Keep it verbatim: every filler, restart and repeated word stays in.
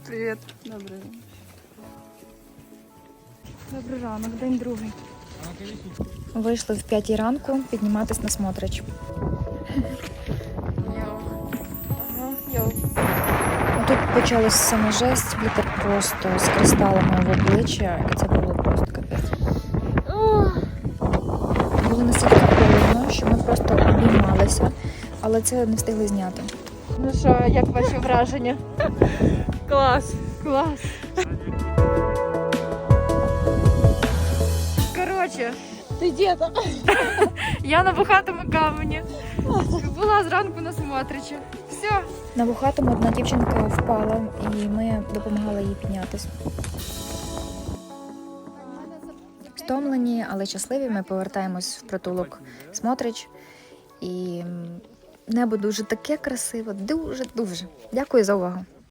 Привіт. Добрий. Добрий ранок, день другий. Вийшли в п'ятій ранку підніматись на Смотрич. Йоу. Ага, йоу. Тут почалась саме жесть, вітер просто з кристалами в обличчя, і це було просто капець. Було настільки холодно, що ми просто обіймалися, але це не встигли зняти. Ну що, як ваші враження? Клас. Клас. Коротше, Ти де там? я на бухатому камені. Була зранку на Смотричі. Все. На Бухатому одна дівчинка впала, і ми допомагали їй піднятися. Втомлені, але щасливі, ми повертаємось в притулок Смотрич. І небо дуже таке красиве, дуже-дуже. Дякую за увагу.